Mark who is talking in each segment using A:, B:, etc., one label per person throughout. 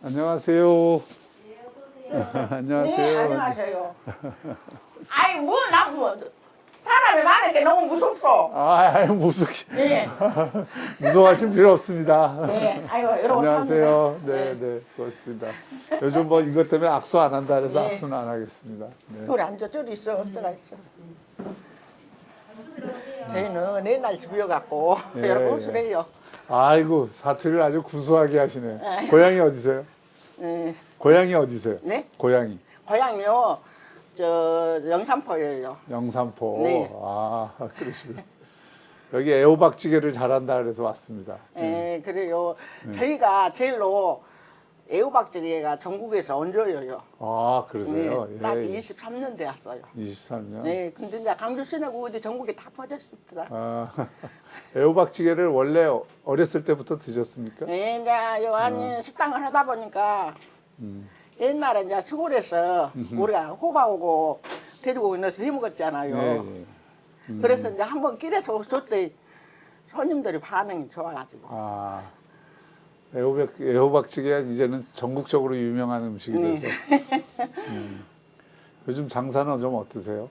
A: 안녕하세요.
B: 네,
A: 안녕하세요.
B: 안녕하세요. 아이, 뭐, 사람이 많으니까 너무 무섭소.
A: 무슨
B: 네,
A: 무서워하실 필요 없습니다.
B: 네, 아이고, 여러분.
A: 안녕하세요.
B: 네.
A: 네, 고맙습니다. 요즘 뭐 이것 때문에 악수 안 한다 그래서
B: 네.
A: 악수는 안 하겠습니다. 네.
B: 우리 앉아, 저리 있어, 어디가 있어. 저희는 옛날 집이어갖고,
A: 예,
B: 여러분
A: 예.
B: 오시래요.
A: 아이고 사투리를 아주 구수하게 하시네.
B: 아이고.
A: 고향이 어디세요?
B: 네,
A: 고향이 어디세요?
B: 네?
A: 고향이
B: 고향이요, 영산포예요.
A: 영산포.
B: 네.
A: 아 그러시군. 여기 애호박찌개를 잘한다 그래서 왔습니다.
B: 예, 그래요. 저희가 제일로 애호박찌개가 전국에서 얹어요.
A: 아
B: 네,
A: 그러세요?
B: 딱
A: 예.
B: 23년 되었어요.
A: 23년.
B: 네, 근데 이제 강주 시내고 어디 전국에 다 퍼졌습니다.
A: 아, 애호박찌개를 원래 어렸을 때부터 드셨습니까?
B: 네, 이제 요한 식당을 하다 보니까 옛날에 이제 시골에서 우리가 호박하고 돼지고기 넣어서 해 먹었잖아요.
A: 네.
B: 그래서 이제 한번 길에서 줬더니 손님들이 반응이 좋아가지고.
A: 아, 애호박찌개가 이제는 전국적으로 유명한 음식이
B: 네.
A: 돼서. 요즘 장사는 좀 어떠세요?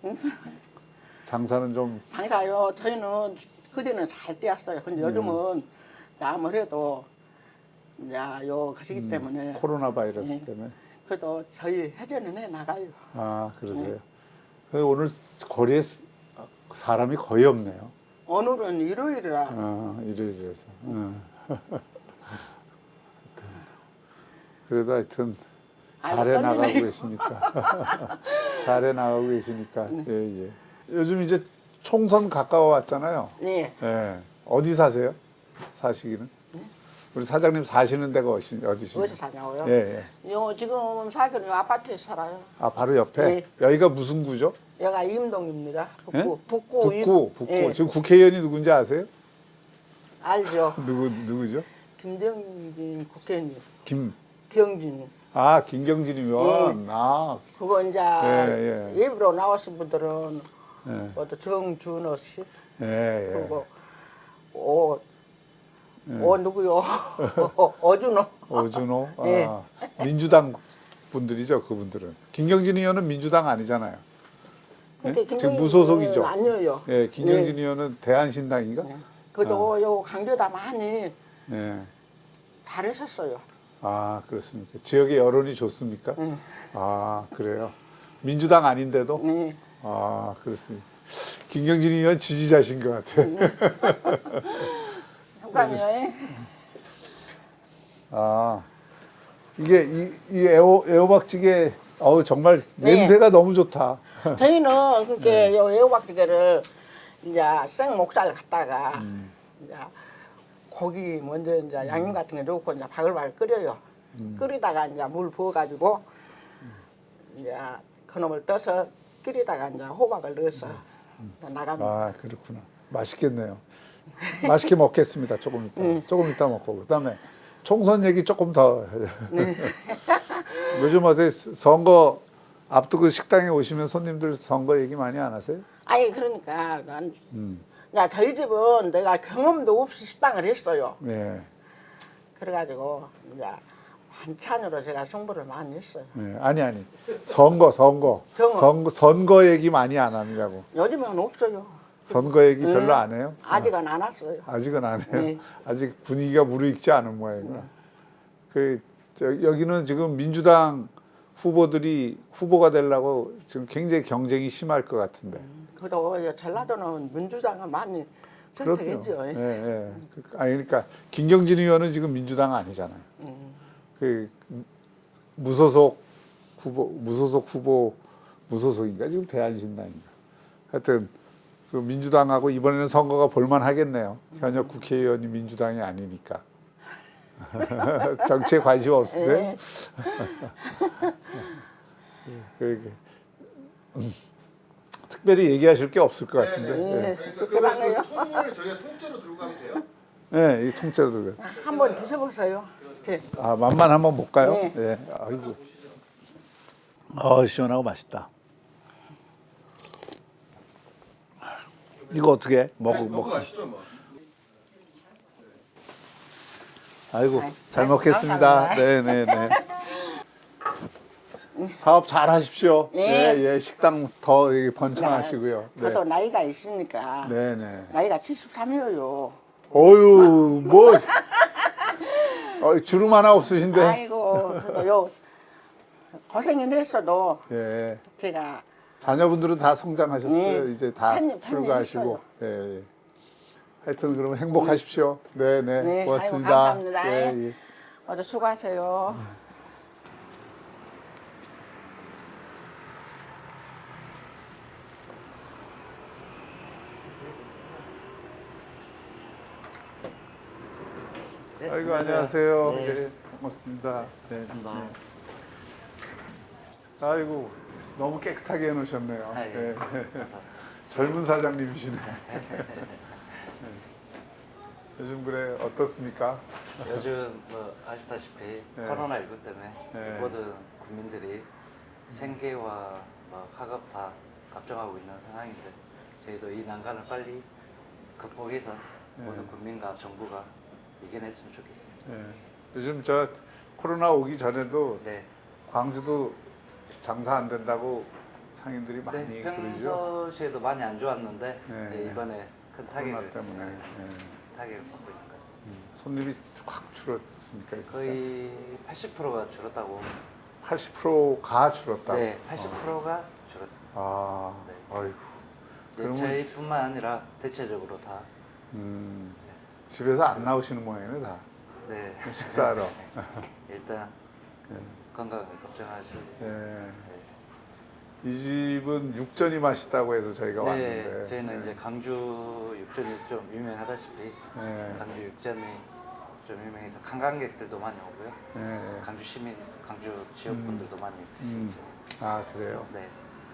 A: 장사는 좀
B: 장사요. 저희는 그전에는 잘 뛰었어요. 근데 요즘은 이제 아무래도 이제 요 것이기 때문에
A: 코로나 바이러스
B: 네.
A: 때문에.
B: 그래도 저희 회전은 해 나가요.
A: 아, 그러세요? 근데 오늘 거리에 사람이 거의 없네요.
B: 오늘은 일요일이라
A: 일요일이라서. 그래도 하여튼
B: 아이고,
A: 잘해 나가고
B: 떨리네요.
A: 계시니까. 잘해 나가고 계시니까. 예, 예. 요즘 이제 총선 가까워 왔잖아요.
B: 네.
A: 예. 어디 사세요? 사시기는? 우리 사장님 사시는 데가 어디시죠?
B: 어디서 사냐고요?
A: 예, 예.
B: 요 지금 살기는 요 아파트에서 살아요.
A: 아, 바로 옆에?
B: 네.
A: 여기가 무슨 구죠?
B: 여기가 임동입니다.
A: 예?
B: 북구.
A: 북구.
B: 예.
A: 지금 국회의원이 누군지 아세요?
B: 알죠.
A: 누구죠?
B: 김정진 국회의원님. 경진.
A: 김경진 의원.
B: 그거 이제
A: 예, 예.
B: 예비로 나오신 분들은
A: 예,
B: 또 정준호 씨.
A: 예, 예.
B: 그리고 누구요? 어준호.
A: 오준호.
B: 예.
A: 민주당 분들이죠, 그분들은. 김경진 의원은 민주당 아니잖아요. 예?
B: 근데
A: 지금
B: 김정진
A: 무소속이죠.
B: 의원은 아니에요.
A: 예, 김경진 의원은 대한신당인가?
B: 그래도 요 강조다 많이
A: 예.
B: 잘했었어요.
A: 아, 그렇습니까? 지역의 여론이 좋습니까?
B: 네.
A: 아, 그래요. 민주당 아닌데도?
B: 네.
A: 아, 그렇습니다. 김경진 의원 지지자신 것 같아요.
B: 잠깐만요.
A: 아, 이게 이 애호박찌개 정말
B: 네.
A: 냄새가 너무 좋다.
B: 저희는 그렇게 요 애호박찌개를 이제 생 목살 갖다가 이제 고기 먼저 이제 양념 같은 거 넣고 이제 바글바글 끓여요. 끓이다가 이제 물 부어가지고 이제 그놈을 떠서 끓이다가 이제 호박을 넣어서 나갑니다.
A: 아, 그렇구나. 맛있겠네요. 맛있게 먹겠습니다. 조금 이따. 조금 이따 먹고. 그다음에 총선 얘기 조금 더. 요즘 어디 선거 앞두고 식당에 오시면 손님들 선거 얘기 많이 안 하세요?
B: 아니 그러니까 야 저희 집은 내가 경험도 없이 식당을 했어요.
A: 네.
B: 그래가지고 이제 반찬으로 제가 승부를 많이 했어요.
A: 네. 아니. 선거.
B: 경험.
A: 선거 얘기 많이 안 하느냐고.
B: 요즘은 없어요.
A: 선거 얘기 별로 안 해요?
B: 아직은 안 왔어요.
A: 아직은 안 해요.
B: 네.
A: 아직 분위기가 무르익지 않은 모양이구나. 여기는 지금 민주당 후보들이 후보가 되려고 지금 굉장히 경쟁이 심할 것 같은데.
B: 그래도 이제 전라도는 민주당은 많이 선택했죠.
A: 예, 예. 그러니까 김경진 의원은 지금 민주당 아니잖아요. 그 무소속 후보 무소속인가 지금 대한신당인가. 하여튼 그 민주당하고 이번에는 선거가 볼만 하겠네요. 현역 국회의원이 민주당이 아니니까. 정치에 관심 없으세요?
B: 네.
A: 그러게. 특별히 얘기하실 게 없을 것 같은데.
B: 네.
C: 그래서
B: 그러네요.
C: 그 통을 저희가 통째로 들고 가면 돼요?
A: 네, 이 통째로 들고.
B: 한번 드셔보세요. 네.
A: 맛만 한번 볼까요?
B: 네.
A: 네. 아이고. 시원하고 맛있다. 이거 어떻게 해?
C: 먹고 가시죠 뭐.
A: 아이고
B: 아이,
A: 잘
B: 아이고,
A: 먹겠습니다.
B: 감사합니다.
A: 네네네. 사업 잘 하십시오.
B: 네.
A: 예, 예. 식당 더 번창하시고요. 네.
B: 저도 나이가 있으니까
A: 네네.
B: 나이가 73이에요.
A: 어유 뭐 주름 하나 없으신데.
B: 아이고 저도 요 고생을 했어도
A: 예.
B: 제가
A: 자녀분들은 다 성장하셨어요.
B: 네.
A: 이제 다
B: 팬이
A: 출가하시고.
B: 했어요.
A: 예. 예. 하여튼 그러면 행복하십시오. 네네.
B: 네,
A: 고맙습니다.
B: 아이고, 감사합니다.
A: 예, 예.
B: 모두 수고하세요.
D: 네,
A: 아이고 안녕하세요.
D: 네.
A: 예, 고맙습니다. 네.
D: 반갑습니다.
A: 네. 아이고 너무 깨끗하게 해놓으셨네요.
D: 아, 예.
A: 네.
D: 감사합니다.
A: 젊은 사장님이시네. 네. 요즘 그래 어떻습니까?
D: 요즘 뭐 아시다시피
A: 네.
D: 코로나19 때문에
A: 네.
D: 모든 국민들이 생계와 뭐 학업 다 걱정하고 있는 상황인데 저희도 이 난관을 빨리 극복해서
A: 네.
D: 모든 국민과 정부가 이겨냈으면 좋겠습니다.
A: 네. 요즘 저 코로나 오기 전에도
D: 네.
A: 광주도 장사 안 된다고 상인들이 많이
D: 네,
A: 그러죠.
D: 평소시에도 많이 안 좋았는데
A: 네.
D: 이제 이번에 큰
A: 코로나
D: 타격을
A: 때문에
D: 네, 타격을 받고 있는 것 같습니다.
A: 손님이 확 줄었습니까? 진짜?
D: 거의 80%가 줄었다고.
A: 80%가 줄었다.
D: 네, 80%가 줄었습니다.
A: 아,
D: 네.
A: 아이고.
D: 네,
A: 그러면
D: 저희뿐만 아니라 대체적으로 다.
A: 집에서 안 나오시는 모양이네 다.
D: 네.
A: 식사하러.
D: 일단
A: 네.
D: 건강을 걱정하시.
A: 예. 이 집은 육전이 맛있다고 해서 저희가
D: 네,
A: 왔는데.
D: 저희는
A: 네.
D: 이제 강주 육전이 좀 유명하다시피
A: 네.
D: 강주 육전이 좀 유명해서 관광객들도 많이 오고요.
A: 네.
D: 강주 시민, 강주 지역 분들도 많이 드십니다.
A: 아 그래요.
D: 네.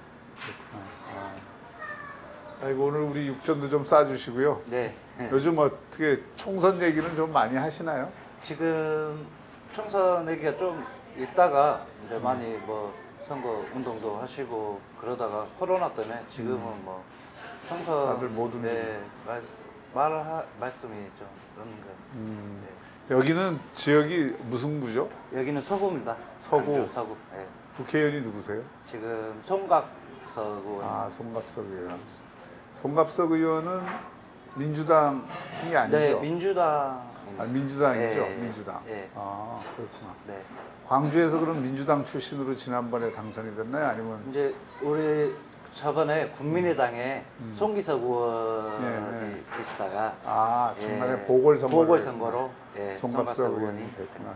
A: 아이고 오늘 우리 육전도 좀 싸주시고요.
D: 네.
A: 요즘 어떻게 총선 얘기는 좀 많이 하시나요?
D: 지금 총선 얘기가 좀 있다가 이제 많이 뭐 선거 운동도 하시고 그러다가 코로나 때문에 지금은 뭐 총선
A: 다들 뭐든지.
D: 네, 말씀이 좀 없는 것 같습니다.
A: 여기는 지역이 무슨 구죠?
D: 네. 여기는 서구입니다.
A: 서구.
D: 강주 서구. 네.
A: 국회의원이 누구세요?
D: 지금 송각석 의원.
A: 아 송갑석 의원. 송갑석 의원은 민주당이 아니죠?
D: 네, 민주당입니다.
A: 아, 민주당이죠.
D: 네,
A: 민주당.
D: 네.
A: 아 그렇구나.
D: 네.
A: 광주에서 그럼 민주당 출신으로 지난번에 당선이 됐나요? 아니면
D: 이제 우리 저번에 국민의당에 송기석 의원이
A: 네.
D: 계시다가
A: 아 중간에
D: 예,
A: 보궐선거를
D: 보궐선거로 예,
A: 송갑석
D: 송갑석
A: 의원이
D: 의원이
A: 됐구나.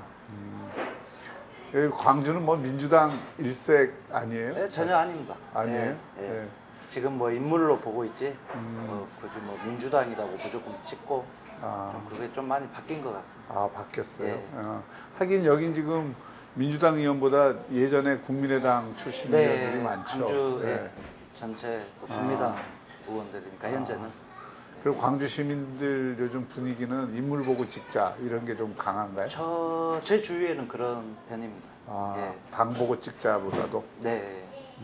A: 여기 광주는 뭐 민주당 일색 아니에요?
D: 네, 전혀 아닙니다.
A: 아니에요?
D: 예, 예.
A: 예.
D: 지금 뭐 인물로 보고 있지, 굳이 뭐 민주당이라고 무조건 찍고
A: 아.
D: 좀 그게 좀 많이 바뀐 것 같습니다.
A: 아 바뀌었어요.
D: 예.
A: 하긴 여긴 지금 민주당 의원보다 예전에 국민의당 출신 의원들이 많죠.
D: 광주
A: 예.
D: 예, 전체 뭐 국민당 의원들이니까 현재는
A: 그리고 광주 시민들 요즘 분위기는 인물 보고 찍자 이런 게 좀 강한가요?
D: 제 주위에는 그런 편입니다.
A: 아,
D: 예.
A: 당 보고 찍자보다도.
D: 네,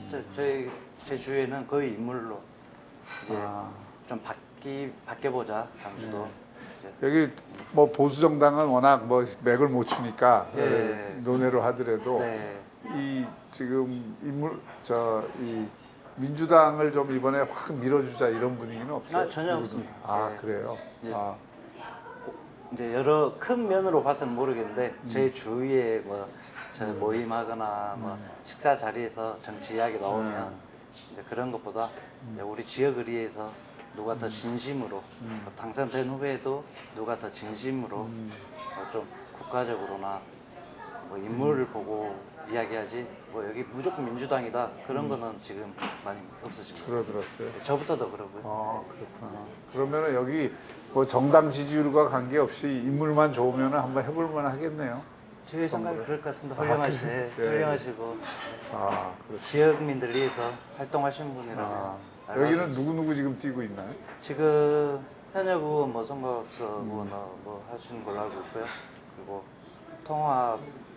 D: 제 주위에는 거의 인물로 이제
A: 아.
D: 좀 바뀌어보자 강주도. 이제
A: 여기 뭐 보수 정당은 워낙 뭐 맥을 못 추니까
D: 네.
A: 논외로 하더라도
D: 네.
A: 이 지금 이 민주당을 좀 이번에 확 밀어주자 이런 분위기는 없어요?
D: 아, 전혀 없습니다.
A: 아
D: 네.
A: 그래요?
D: 이제
A: 아,
D: 이제 여러 큰 면으로 봐서는 모르겠는데 제 주위에 뭐 저 모임하거나 뭐 식사 자리에서 정치 이야기 나오면 이제 그런 것보다 이제 우리 지역을 위해서 누가 더 진심으로 당선된 후에도 누가 더 진심으로 좀 국가적으로나 뭐 인물을 보고 이야기하지 뭐 여기 무조건 민주당이다 그런 거는 지금 많이 없어진 것 같아요.
A: 줄어들었어요.
D: 저부터도 그러고요.
A: 아 그렇구나. 그러면은 여기 뭐 정당 지지율과 관계없이 인물만 좋으면 한번 해볼만 하겠네요.
D: 제 생각이 그럴 것 같습니다.
A: 그래요? 네.
D: 훌륭하시고
A: 아 그렇죠.
D: 지역민들 위해서 활동하시는 분이라면
A: 아,
D: 알고
A: 여기는 누구 지금 뛰고 있나요?
D: 지금 현역 의원 뭐 선거업소 의원 뭐 하시는 걸로 알고 있고요. 그리고 통합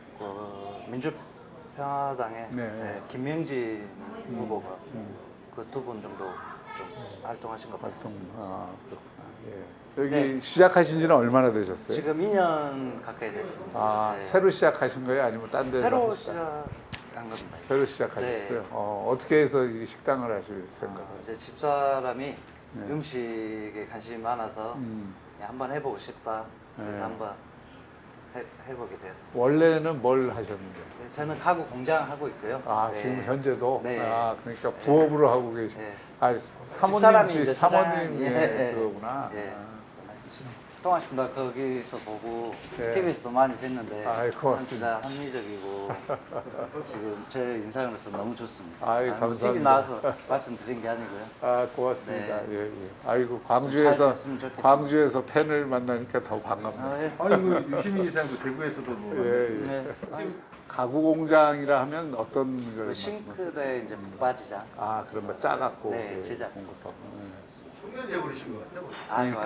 D: 민주평화당의
A: 네.
D: 김명진 후보가 그 두 분 정도 좀 활동하신 것 같습니다.
A: 아 그렇구나. 예. 여기
D: 네.
A: 시작하신 지는 얼마나 되셨어요?
D: 지금 2년 가까이 됐습니다.
A: 아,
D: 네.
A: 새로 시작하신 거예요? 아니면 딴 데서
D: 새로
A: 하셨어요?
D: 시작한 겁니다.
A: 새로 시작하셨어요?
D: 네.
A: 어떻게 해서 이 식당을 하실 생각을?
D: 이제 집사람이
A: 네.
D: 음식에 관심이 많아서
A: 음.
D: 한번 해보고 싶다. 그래서
A: 네.
D: 한번 해보게 되었습니다.
A: 원래는 뭘 하셨는데?
D: 네, 저는 가구 공장 하고 있고요.
A: 아,
D: 네.
A: 지금 현재도?
D: 네.
A: 아, 그러니까 부업으로 하고 계신.
D: 네.
A: 아,
D: 집사람이
A: 사모님,
D: 이제
A: 사모님,
D: 사장-
A: 예,
D: 예.
A: 그거구나.
D: 예.
A: 아.
D: 동아십니다. 거기서 보고
A: 네.
D: TV에서도 많이 뵀는데
A: 아이,
D: 참
A: 고맙습니다.
D: 진짜 합리적이고 지금 제 인상으로서 너무 좋습니다.
A: 아이,
D: 뭐
A: 감사합니다.
D: TV 나와서 말씀드린 게 아니고요.
A: 아, 고맙습니다.
D: 네.
A: 예, 예. 아이고,
D: 잘
A: 광주에서,
D: 됐으면 좋겠습니다.
A: 광주에서 팬을 만나니까 더 반갑네요.
D: 아, 예.
C: 아니 그 유시민 이사님도 대구에서도 뭐
A: 예, 예.
D: 네.
A: 가구 공장이라 하면 어떤 걸
D: 그
A: 말씀하세요?
D: 싱크대 이제 붙바지장.
A: 아, 그런 거 짜갖고
D: 네,
A: 예,
D: 제작.
A: 공급하고.
C: 청년제 버리신 것 같아요.
D: 아이고.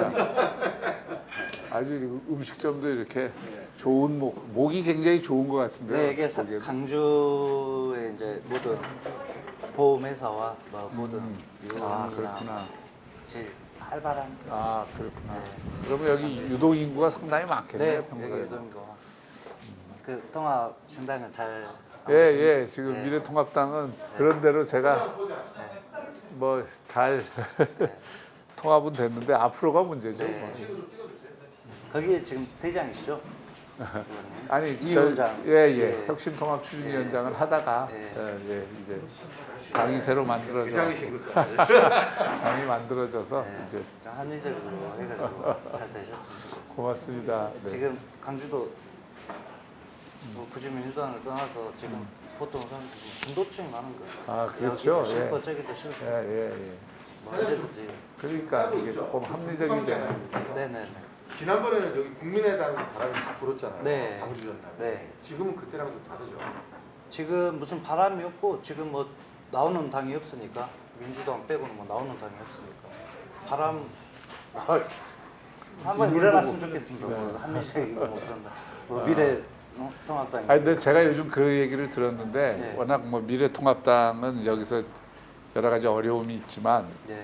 A: 아주 음식점도 이렇게 좋은 목이 굉장히 좋은 것 같은데요.
D: 네, 이게
A: 거기에도.
D: 강주의 이제 모든 보험회사와 뭐 모든
A: 아,
D: 유흥이나
A: 그렇구나.
D: 제일 활발한.
A: 아, 그렇구나.
D: 네.
A: 그러면 여기 유동 인구가 상당히 많겠네요,
D: 네, 여기
A: 평소에.
D: 유동인 것 같습니다. 그 통합 신당은 잘.
A: 예, 예. 지금
D: 네.
A: 미래통합당은 그런 대로 제가 뭐 잘 통합은 됐는데 앞으로가 문제죠.
D: 네.
A: 뭐.
D: 거기에 지금 대장이시죠?
A: 아니,
D: 이 위원장.
A: 예, 예.
D: 예.
A: 혁신통합 추진위원장을 하다가
D: 예.
A: 예, 이제 당이 새로 만들어져
C: 대장이신 것 같아요.
A: 당이 만들어져서
D: 네,
A: 이제
D: 좀 합리적으로 해가지고 잘 되셨으면 좋겠습니다.
A: 고맙습니다. 네.
D: 지금 강주도 뭐 굳이 민주당을 떠나서 지금 보통 사람들이 중도층이 많은 거예요.
A: 아, 그렇죠.
D: 여기도 싫고
A: 예.
D: 저기도 싫고
A: 예, 예, 예.
D: 뭐 언제든지.
A: 그러니까 이게 조금 합리적이게
D: 네네네.
C: 지난번에는 여기 국민의당 바람이 다 불었잖아요.
D: 네.
C: 광주 전날.
D: 네.
C: 지금은 그때랑 좀 다르죠.
D: 지금 무슨 바람이 없고 지금 뭐 나오는 당이 없으니까 민주당 빼고는 뭐 나오는 당이 없으니까 바람 나올 한번 일어났으면 좋겠습니다. 뭐 한민식이고 뭐 그런다. 뭐 미래 통합당이.
A: 아니 근데 제가 요즘 그 얘기를 들었는데
D: 네.
A: 워낙 뭐 미래통합당은 여기서 여러 가지 어려움이 있지만
D: 네.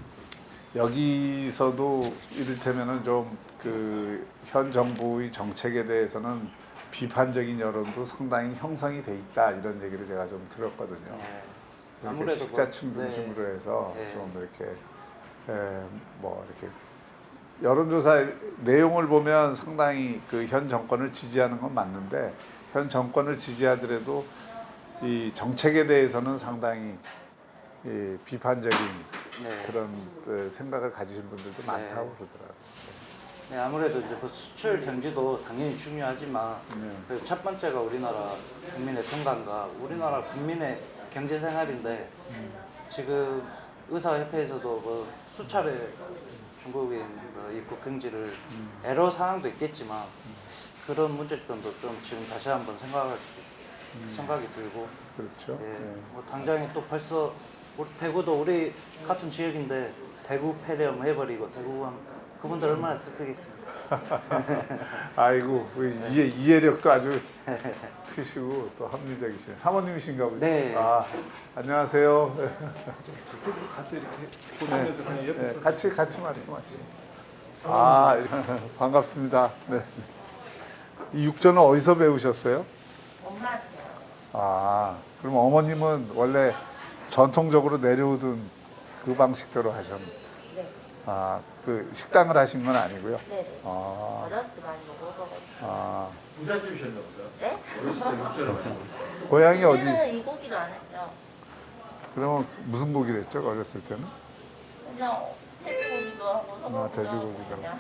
A: 여기서도 이를테면은 좀 그 현 정부의 정책에 대해서는 비판적인 여론도 상당히 형성이 돼 있다 이런 얘기를 제가 좀 들었거든요.
D: 네.
A: 이렇게
D: 아무래도
A: 식자층
D: 뭐, 네.
A: 중심으로 해서
D: 네.
A: 좀 이렇게 뭐 이렇게 여론조사 내용을 보면 상당히 그 현 정권을 지지하는 건 맞는데 현 정권을 지지하더라도 이 정책에 대해서는 상당히 이 비판적인
D: 네.
A: 그런 생각을 가지신 분들도 많다고 그러더라고요.
D: 네, 아무래도 이제 그 수출 경제도 당연히 중요하지만
A: 네.
D: 그 첫 번째가 우리나라 국민의 건강과 우리나라 국민의 경제 생활인데 지금 의사협회에서도 뭐 수차례 중국인 뭐 입국 금지를 애로 상황도 있겠지만 그런 문제점도 좀 지금 다시 한번 생각이 들고
A: 그렇죠.
D: 예,
A: 네.
D: 뭐 당장에 또 벌써 대구도 우리 같은 지역인데 대구 폐렴 해버리고 대구 가면 그분들 얼마나 슬프겠습니까?
A: 아이고 이해력도 아주 크시고 또 합리적이시네. 사모님이신가 보죠?
D: 네.
A: 아 안녕하세요.
E: 같이 이렇게 보시면서 그냥 옆에서
A: 네, 같이 말씀하시죠. 아 반갑습니다. 네. 이 육전은 어디서 배우셨어요?
F: 엄마한테요.
A: 아 그럼 어머님은 원래 전통적으로 내려오던 그 방식대로 하셨나요?
F: 네.
A: 아그 식당을 하신 건 아니고요.
F: 네네.
A: 아,
F: 어렸을 때 많이 먹어가지고.
A: 아
C: 부잣집이셨나 보다.
F: 네?
C: 어렸을 때 육전을 하시고.
A: 고향이 어디?
F: 그때는 이 고기도 안 했죠.
A: 그러면 무슨 고기를 했죠? 어렸을 때는?
F: 그냥 돼지고기도 하고 소고기도
A: 돼지고기도
F: 하고 그냥.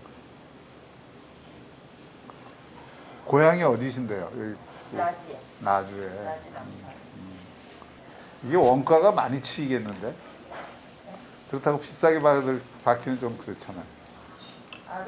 A: 고향이 어디신데요? 여기
F: 나지에.
A: 나주에.
F: 나지랑.
A: 이게 원가가 많이 치이겠는데? 그렇다고 비싸게 받기는 좀 그렇잖아요.
F: 아로?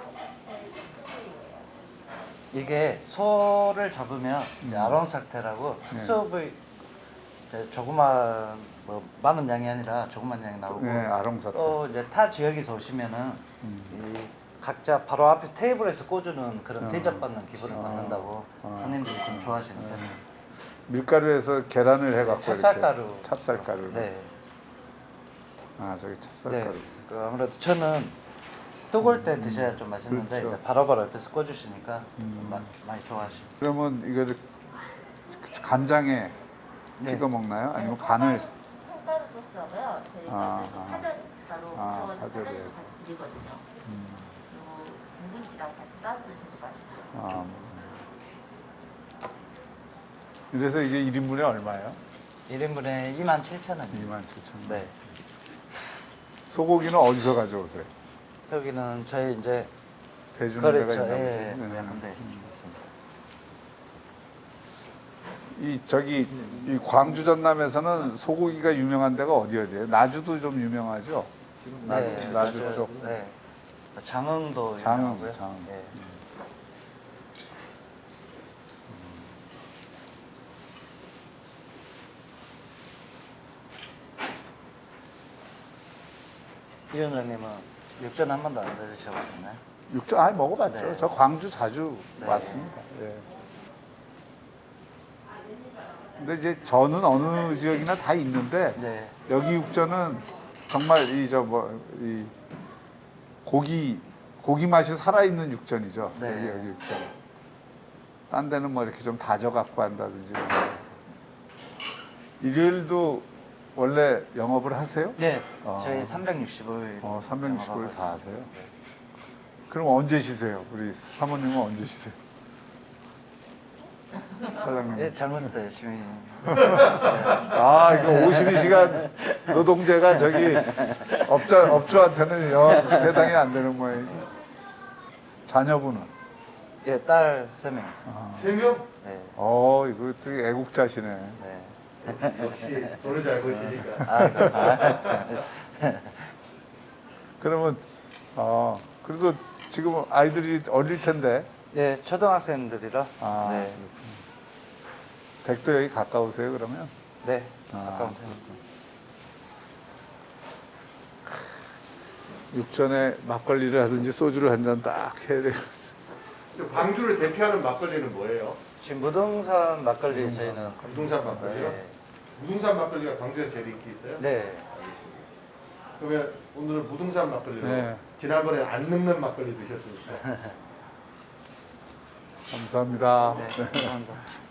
D: 이게 소를 잡으면 이제 아론 상태라고 특수부위 이제 조그만 뭐 많은 양이 아니라 조그만 양이 나오고
A: 네, 아롱사태.
D: 또 이제 타 지역에서 오시면은 이 각자 바로 앞에 테이블에서 꽂주는 그런 대접받는 기분을 받는다고 손님들이 좀 좋아하시는 편이에요.
A: 밀가루에서 계란을 해갖고
D: 찹쌀가루.
A: 이렇게. 찹쌀가루.
D: 네.
A: 아 저기
D: 네.
A: 찹쌀가루.
D: 그 아무래도 저는 뜨거울 때 드셔야 좀 맛있는데
A: 그렇죠.
D: 이제 바로바로 옆에서 꺼주시니까 많이 좋아하십니다.
A: 그러면 이거를 간장에
D: 네.
A: 찍어 먹나요? 아니면 간을
F: 콩가루 소스하고요. 저희가
A: 아,
F: 파절가루
A: 아,
F: 구워가지고
A: 파절이에요.
F: 파절도 같이 드리거든요. 그리고 묵은지랑 같이 싸서 드시면 맛있고요.
A: 아, 그래서 이게 1인분에 얼마예요?
D: 1인분에 27,000원이요.
A: 27,000원.
D: 네.
A: 소고기는 어디서 가져오세요?
D: 여기는 저희 이제
A: 대주는 데가
D: 거래처
A: 있나
D: 예,
A: 보죠?
D: 약간 데 있습니다.
A: 이 저기 이 광주 전남에서는 소고기가 유명한 데가 어디예요? 나주도 좀 유명하죠. 나주
D: 맞아요.
A: 쪽.
D: 네. 장흥도
A: 장흥,
D: 유명하고요.
A: 장흥.
D: 예. 이 원장님은 육전 한 번도 안 드셔보셨나요?
A: 육전 아예 먹어봤죠.
D: 네.
A: 저 광주 자주
D: 네.
A: 왔습니다. 예. 근데 이제 저는 어느 지역이나 다 있는데
D: 네.
A: 여기 육전은 정말 이 고기 맛이 살아있는 육전이죠.
D: 네.
A: 여기 육전. 딴 데는 뭐 이렇게 좀 다져 갖고 한다든지. 일요일도 원래 영업을 하세요?
D: 네.
A: 어.
D: 저희 365일.
A: 365일 다 하세요? 그럼 언제 쉬세요? 우리 사모님은 언제 쉬세요? 사장님.
D: 예, 젊었을 때 열심히.
A: 아, 이거 52시간 노동제가 저기 업주한테는 해당이 안 되는 모양이죠. 자녀분은?
D: 예, 딸 3명 있습니다.
C: 3명?
D: 네.
A: 이거 되게 애국자시네.
D: 네.
C: 역시 돈을 잘 버시니까.
A: 그러면, 그래도 지금 아이들이 어릴 텐데,
D: 네, 초등학생들이라.
A: 아,
D: 네.
A: 댁도 여기 가까우세요, 그러면?
D: 네.
A: 아.
D: 가까운 편입니다.
A: 육전에 막걸리를 하든지 소주를 한 잔 딱 해야 돼요.
C: 광주를 대표하는 막걸리는 뭐예요?
D: 지금 무등산 막걸리 저희는.
C: 무등산 막걸리요?
D: 네.
C: 무등산 막걸리가 광주에 제일 인기 있어요?
D: 네.
C: 그러면 오늘은 무등산 막걸리로
A: 네.
C: 지난번에 안 늙는 막걸리 드셨으니까
A: 감사합니다.
D: 네. 감사합니다.